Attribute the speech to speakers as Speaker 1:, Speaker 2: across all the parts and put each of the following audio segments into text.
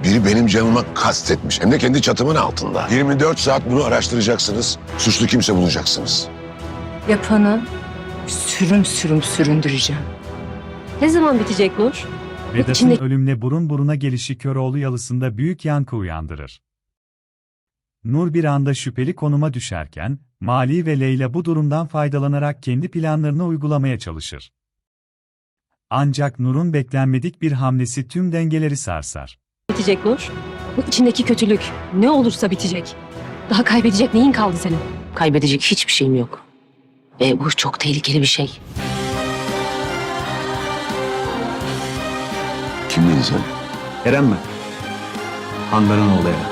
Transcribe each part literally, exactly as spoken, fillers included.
Speaker 1: Biri benim canıma kastetmiş. Hem de kendi çatımın altında. yirmi dört saat bunu araştıracaksınız. Suçlu kimse bulacaksınız.
Speaker 2: Yapanı sürüm sürüm süründüreceğim.
Speaker 3: Ne zaman bitecek Nur?
Speaker 4: Vedat'ın
Speaker 3: İçinde-
Speaker 4: ölümle burun buruna gelişi Köroğlu yalısında büyük yankı uyandırır. Nur bir anda şüpheli konuma düşerken, Mali ve Leyla bu durumdan faydalanarak kendi planlarını uygulamaya çalışır. Ancak Nur'un beklenmedik bir hamlesi tüm dengeleri sarsar.
Speaker 3: Bitecek Nur. Bu içindeki kötülük ne olursa bitecek. Daha kaybedecek neyin kaldı senin?
Speaker 5: Kaybedecek hiçbir şeyim yok. Ve bu çok tehlikeli bir şey.
Speaker 1: Kimdin sen?
Speaker 6: Eren mi? Handan'ın oğlu Eren.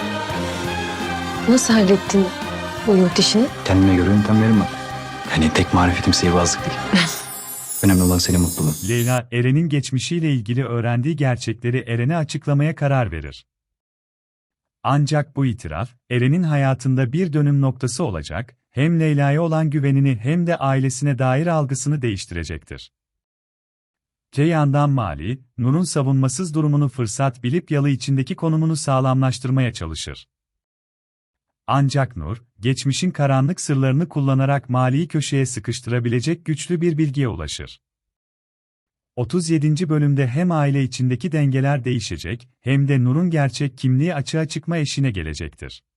Speaker 3: Nasıl hallettin bu yurt işini?
Speaker 6: Kendime göre yöntemlerim var. Yani tek marifetim sihirbazlık değil. Önemli olan senin mutluluğun.
Speaker 4: Leyla, Eren'in geçmişiyle ilgili öğrendiği gerçekleri Eren'e açıklamaya karar verir. Ancak bu itiraf, Eren'in hayatında bir dönüm noktası olacak, hem Leyla'ya olan güvenini hem de ailesine dair algısını değiştirecektir. Te yandan Mali, Nur'un savunmasız durumunu fırsat bilip yalı içindeki konumunu sağlamlaştırmaya çalışır. Ancak Nur, geçmişin karanlık sırlarını kullanarak Mali'yi köşeye sıkıştırabilecek güçlü bir bilgiye ulaşır. otuz yedinci bölümde hem aile içindeki dengeler değişecek, hem de Nur'un gerçek kimliği açığa çıkma eşiğine gelecektir.